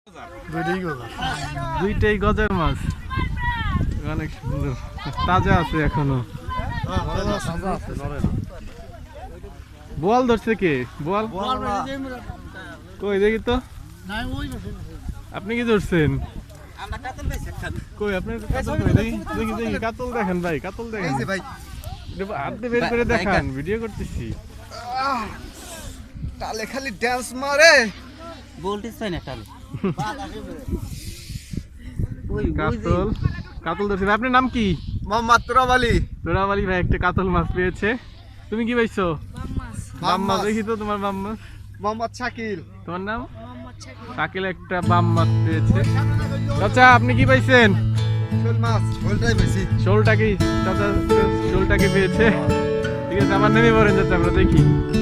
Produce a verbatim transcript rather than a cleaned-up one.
দুইটাই গজার মাছ, অনেক সুন্দর, তাজা আছে এখনো। বোয়াল ধরছে কে? বোয়াল কই দেখি তো। আপনি কি ধরছেন? কই আপনার কাতল কই? দেখি দেখি দেখি কাতল দেখেন ভাই, কাতল দেখেন ভাই, হাত দিয়ে বের করে দেখান, ভিডিও করতেছি। টালে খালি ড্যান্স মারে, বলতিস পাই না টালে। কাতল কাতল ধরছে ভাই। আপনার নাম কি? মোহাম্মদ তুরাব আলী। তুরাব আলী ভাই একটা কাতল মাছ পেয়েছে। তুমি কি পাইছো? বাম মাছ। দেখি তো তোমার বাম মাছ। মোহাম্মদ শাকিল। তোমার নাম? শাকিল একটা বাম মাছ পেয়েছে। চাচা আপনি কি পাইছেন? শোল মাছ। শোলটাই বেশি। শোলটা কি চাচা? শোলটাকে পেয়েছে। ঠিক আছে, আমার নেমে পড়েন চাচা, আমরা দেখি।